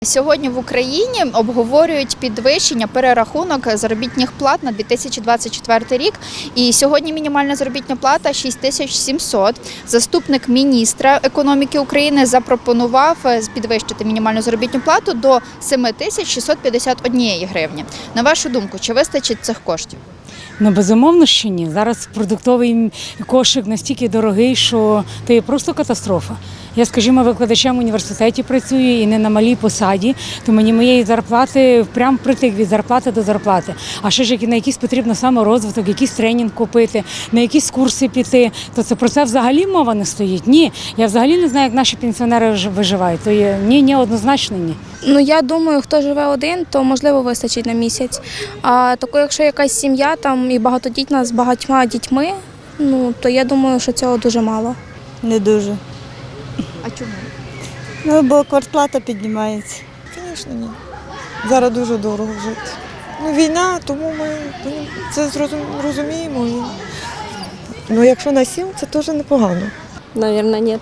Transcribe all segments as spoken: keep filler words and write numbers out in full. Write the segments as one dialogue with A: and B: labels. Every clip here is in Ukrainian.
A: Сьогодні в Україні обговорюють підвищення, перерахунок заробітних плат на дві тисячі двадцять четвертий рік. І сьогодні мінімальна заробітна плата шість тисяч сімсот. Заступник міністра економіки України запропонував підвищити мінімальну заробітну плату до сім тисяч шістсот п'ятдесят однієї гривні. На вашу думку, чи вистачить цих коштів?
B: Ну, безумовно, що ні. Зараз продуктовий кошик настільки дорогий, що це є просто катастрофа. Я, скажімо, викладачем в університеті працюю і не на малій посаді, то мені моєї зарплати прям притик від зарплати до зарплати. А ще ж на якийсь потрібно саморозвиток, якийсь тренінг купити, на якісь курси піти, то це про це взагалі мова не стоїть. Ні, я взагалі не знаю, як наші пенсіонери виживають. То є ні, ні, однозначно ні.
C: Ну, я думаю, хто живе один, то можливо вистачить на місяць. А тако, якщо якась сім'я там і багатодітна з багатьма дітьми, ну то я думаю, що цього дуже мало.
D: Не дуже.
A: А чому?
D: Ну, бо квартплата піднімається.
E: Звісно, ні. Зараз дуже дорого жити. Ну, війна, тому ми це зрозум- розуміємо. І... Ну, якщо на сім, це теж непогано.
F: Наверное, нет.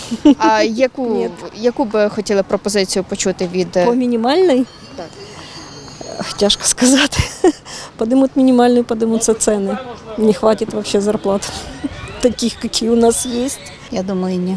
A: А яку,
F: Ні.
A: яку би хотіли пропозицію почути від...
F: По минимальной?
A: Так.
F: Эх, Тяжко сказать. Поднимут минимальную, поднимутся цены. Не хватит вообще зарплат таких, какие у нас есть.
D: Я думаю, ні.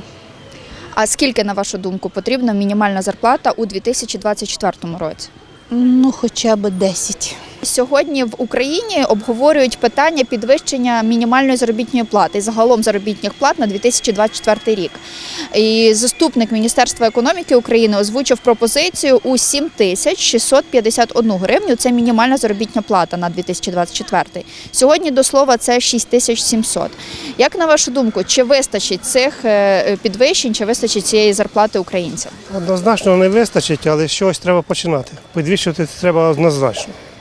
A: А скільки, на вашу думку, потрібна мінімальна зарплата у дві тисячі двадцять четвертому році?
D: Ну, хоча б десять.
A: Сьогодні в Україні обговорюють питання підвищення мінімальної заробітної плати і загалом заробітних плат на дві тисячі двадцять четвертий рік. І заступник Міністерства економіки України озвучив пропозицію у сім тисяч шістсот п'ятдесят одну гривню. Це мінімальна заробітна плата на дві тисячі двадцять четвертий. Сьогодні, до слова, це шість тисяч сімсот. Як на вашу думку, чи вистачить цих підвищень, чи вистачить цієї зарплати українцям?
G: Однозначно не вистачить, але з чогось треба починати. Підвищувати треба однозначно.